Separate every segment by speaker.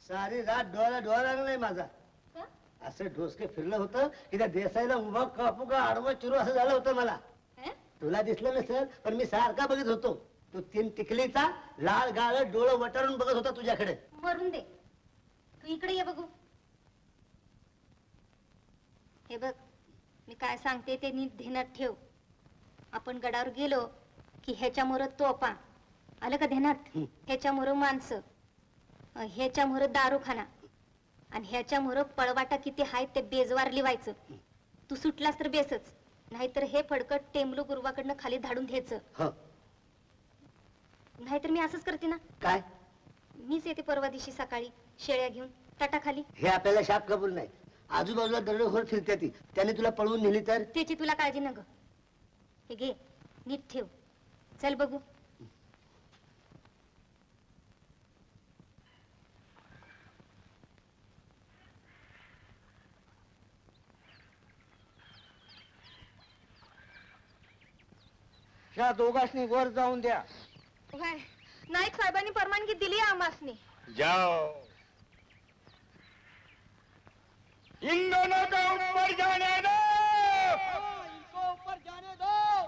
Speaker 1: सारी रात डोळा डोळा लागलाय माझा. असं ढोसके फिरलं होतं की त्या देसाईला उभा कापू का आडवं चिरू असं झालं होतं मला. तुला दिसलं नसेल पण मी सारखा बघत होतो. तू तीन टिकलीचा लाल गाळ डोळं वटारून बघत होता तुझ्याकडे.
Speaker 2: मरून दे, तू इकडे ये बघू. हे बघ, मी काय सांगते ते नीट ध्यानात ठेव. आपण गडावर गेलो की ह्याच्यामुळं तोफा आलं का ध्यानात, ह्याच्यामुळं माणसं, ह्याच्यामुळं दारूखाना आणि ह्याच्यामुळं पळवाटा किती आहेत ते बेजवार लिवायचं. तू सुटलास तर बेसच, नाहीतर हे फडकट टेमलू गुरुवाकडनं खाली धाडून घ्यायचं. नाहीतर मी असंच करते ना.
Speaker 1: काय?
Speaker 2: मीच येते परवा दिवशी सकाळी शेळ्या घेऊन ताटाखाली.
Speaker 1: हे आपल्याला शाप कबूल नाही. आजूबाजूला दरोडेखोर फिरते ती, त्याने तुला पळवून नेली तर?
Speaker 2: त्याची तुला काळजी न ग. हे घे, नीट ठेव. चल बघू.
Speaker 1: ह्या दोघांनी वर जाऊन द्या.
Speaker 2: नाईक साहेबांनी परवानगी दिली आम्हासनी.
Speaker 3: जाओ, इन दोनों को ऊपर जाने दो.
Speaker 4: इनको ऊपर जाने दो.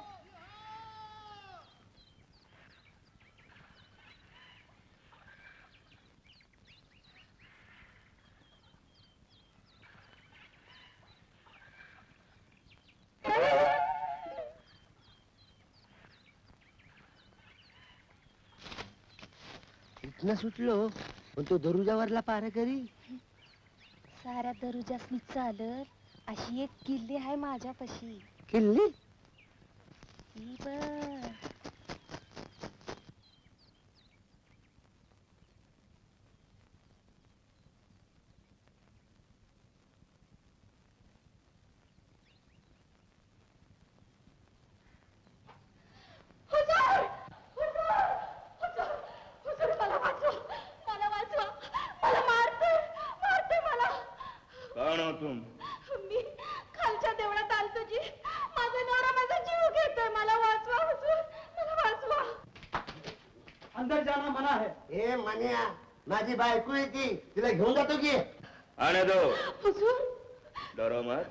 Speaker 1: इथनं सुटलो पण तो दरुजावरला पार करी.
Speaker 2: साऱ्या दरुजासनी चालत अशी एक किल्ली आहे माझ्यापाशी.
Speaker 1: किल्ली?
Speaker 2: ही बघ.
Speaker 3: कौन हो तुम?
Speaker 2: मी खालच्या देवळात आलतो जी. माझा नवरा माझा जीव घेतोय. मला वाचवा हुजूर, मला वाचवा.
Speaker 4: अंदर जाना मना है.
Speaker 1: ए मन्या, माझी बायको आहे ती, तिला घेऊन जातो की.
Speaker 3: आने दो.
Speaker 2: हुजूर,
Speaker 3: डरो मत.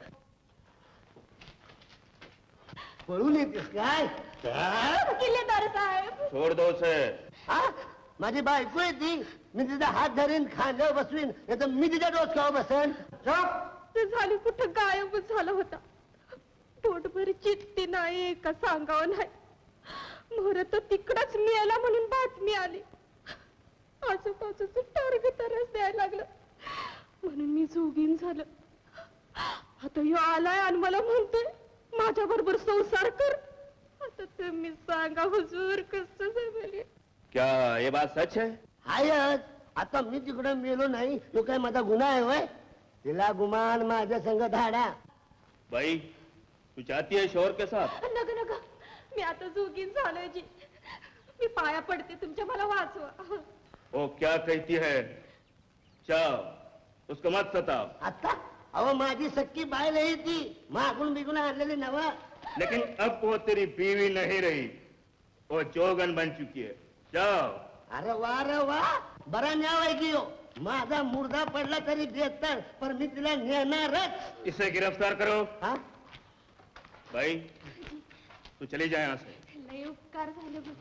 Speaker 1: पळून येतेस काय?
Speaker 2: किल्लेदार साहेब.
Speaker 3: छोड़ दो उसे.
Speaker 1: हा? माझी बायको आहे ती. मी तिचा हात धरीन, खांद्यावर बसवीन, नाही तर मी तिच्या डोसक्यावर बसेन.
Speaker 2: ते झाली कुठं गायबच झाला होता. पोटभर चिठ्ठी नाही का सांगावं नाही. मोर तर तिकडच मिळाला म्हणून बातमी आली. आजूबाजूचं टार्ग तरच द्यायला लागलं म्हणून मी जोगीन झालं. आता ह्यो आलाय आणि मला म्हणतोय माझ्या बरोबर संसार कर. आता तुम्ही सांगा हुजूर कसं जमेल.
Speaker 3: क्या ये बात सच है?
Speaker 1: हायच. आता मी तिकडे मेलो नाही तो काय माझा गुन्हा आहे होय? तिला गुमान माझ्या संग धाडा.
Speaker 3: भाई, तू चाहती है शोर के साथ?
Speaker 2: नग नग, मी आता जोगीन झालोय जी. मी पाया पडते तुमच्या, मला वाचवा.
Speaker 3: वो क्या कहती है? जाओ, उसको मत सताओ.
Speaker 1: आता अहो माझी सक्की बायल आहे ती, मागून बिगून आणलेली नवा.
Speaker 3: लेकिन अब वो तेरी बीवी नहीं रही, वो जोगन बन चुकी है. जाओ.
Speaker 1: अरे वा रे वा, बरा न्याव आहे की हो. माझा मुर्दा पडला तरी बेहतर, पण मी तिला नेणारच.
Speaker 3: इसे गिरफ्तार करो.
Speaker 1: हा?
Speaker 3: भाई, तू चली जाए यहाँ से.
Speaker 2: लय उपकार झाले बघ.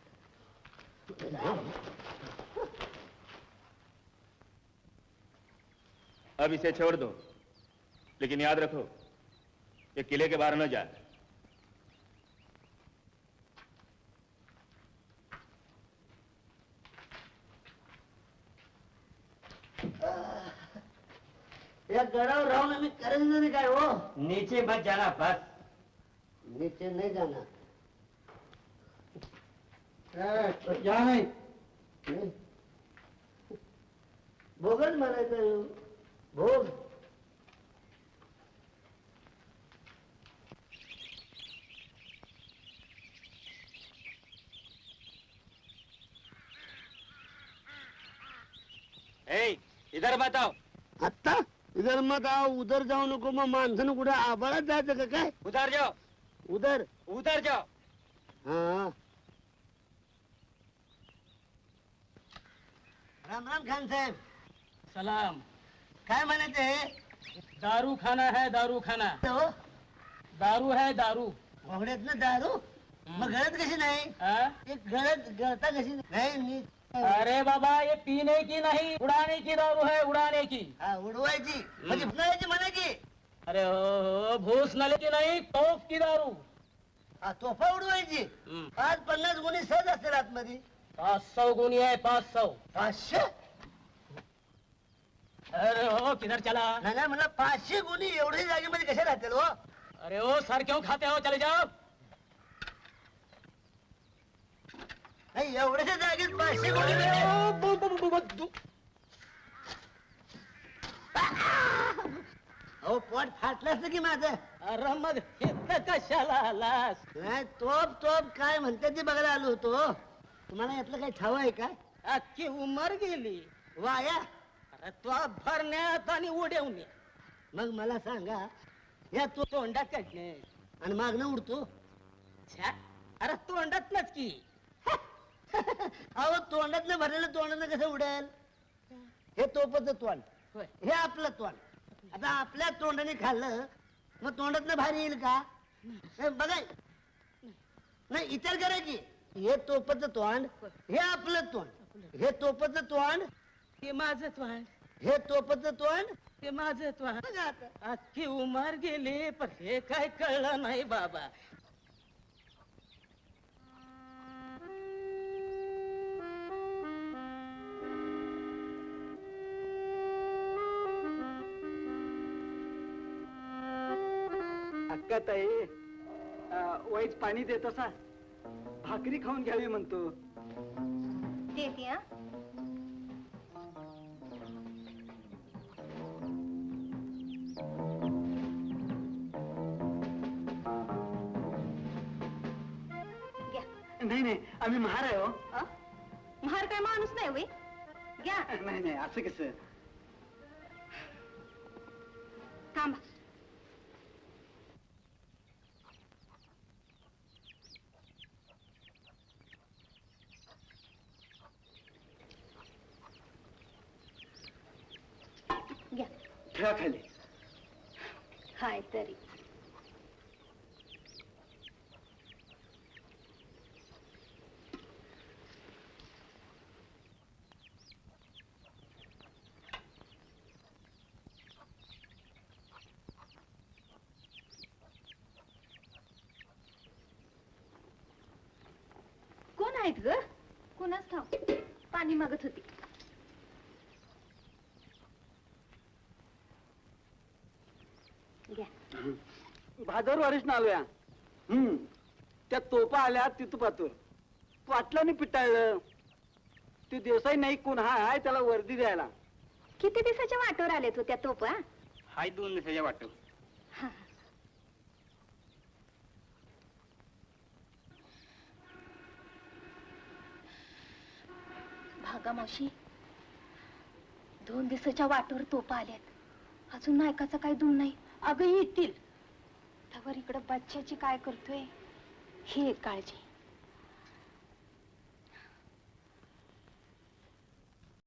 Speaker 3: अब इसे छोड़ दो, लेकिन याद रखो ये किले के बाहर न जाए.
Speaker 1: या गडावर राहून मी करेन नाही काय हो.
Speaker 4: नीचे मत जाना बस.
Speaker 1: नीचे नाही जाणार.
Speaker 4: या नहीं.
Speaker 1: भोगच म्हणायचं. भोग.
Speaker 4: इधर बताओ.
Speaker 1: आता इधर मत आओ, उधर जाऊ नको. मग माणसानं कुठे आबाळात जायचं का काय?
Speaker 4: उधर जाओ.
Speaker 1: उधर.
Speaker 4: उधर जाओ.
Speaker 1: हाँ. राम राम खान साहेब.
Speaker 4: सलाम.
Speaker 1: काय म्हणायचे
Speaker 4: दारू खाना है, दारू खाना.
Speaker 1: हो
Speaker 4: दारू है, दारू.
Speaker 1: घोगड्यात ना दारू मग गळत कशी नाही
Speaker 4: हाँ?
Speaker 1: एक गळता कशी नाही नीट.
Speaker 4: अरे बाबा, ये पीने की नहीं, उड़ाने की दारू है, उड़ाने की.
Speaker 1: हा उडवायची म्हणजे फुकायची म्हणायची.
Speaker 4: अरे हो, भूस नले की नहीं, तोफ की दारू.
Speaker 1: हा तोफा उडवायची. 550 गुणी सहज असतील आतमध्ये.
Speaker 4: 500 गुनी है, 500.
Speaker 1: 500
Speaker 4: अरे हो, किधर चला?
Speaker 1: नाही नाही म्हणलं 500 गुणी एवढी जागेमध्ये कशा राहतील हो.
Speaker 4: अरे ओ सर, क्यों खाते हो? चले जाओ.
Speaker 1: नाही एवढ्याच्या जागेत 500 गुणी मिळते. अहो पोट फाटलं असतं की माझं.
Speaker 4: अरे मग इथं कशाला आलास?
Speaker 1: नाही तोप काय म्हणते ते बघायला आलो होतो. तुम्हाला यातलं काही ठाव आहे काय
Speaker 4: अख्खी उमर गेली
Speaker 1: वाया.
Speaker 4: अरे तो भरण्यात आणि उडवण्यात.
Speaker 1: मग मला सांगा या तो
Speaker 4: तोंडात काढणे.
Speaker 1: आणि मागणं उडतो.
Speaker 4: छ्या, अरे तोंडातनच की.
Speaker 1: अहो तोंडातनं भरलेलं तोंडानं कसं उडेल. हे तोपचं तोंड
Speaker 4: होय.
Speaker 1: हे आपलं तोंड. आता आपल्या तोंडाने खाल्लं मग तोंडातनं बाहेर येईल का हे बघाय. नाही विचार करा की हे तोपचं तोंड हे आपलं तोंड हे तोपचं तोंड
Speaker 4: ते माझं तोंड,
Speaker 1: हे तोपचं तोंड
Speaker 4: ते माझं तोंड.
Speaker 1: बघा आता.
Speaker 4: अख्खी उमर गेली पण हे काय कळलं नाही बाबा.
Speaker 5: अक्का ताई वाईच पाणी देत असा. भाकरी खाऊन घ्यावी म्हणतो.
Speaker 2: देते हा. घ्या.
Speaker 5: नाही नाही आम्ही महार आहे हो.
Speaker 2: महार काय माणूस नाही होय. घ्या.
Speaker 5: नाही नाही असं कसं.
Speaker 2: थांबा. घ्या.
Speaker 5: ठेवा खाली.
Speaker 2: हाय तरी कोण आहेत ग. कोणाच ठाव. पाणी मागत होती. घ्या.
Speaker 5: भादरवारीच ना आलोया. त्या तोपा आल्या तिथपातूर पाटलाने पिटाळलं. ते देसाई नाही कोण हाय त्याला वर्दी द्यायला.
Speaker 2: किती दिवसाच्या वाटेवर आलेत हो त्या तोपा.
Speaker 4: हाय 2 दिवसाच्या वाटत.
Speaker 2: भागा मावशी 2 दिवसाच्या वाटेवर तोपा आल्यात. अजून नायकाचा काही दूर नाही. अगं येतील तवर इकडं बच्च्याची काय करतोय ही एक काळजी.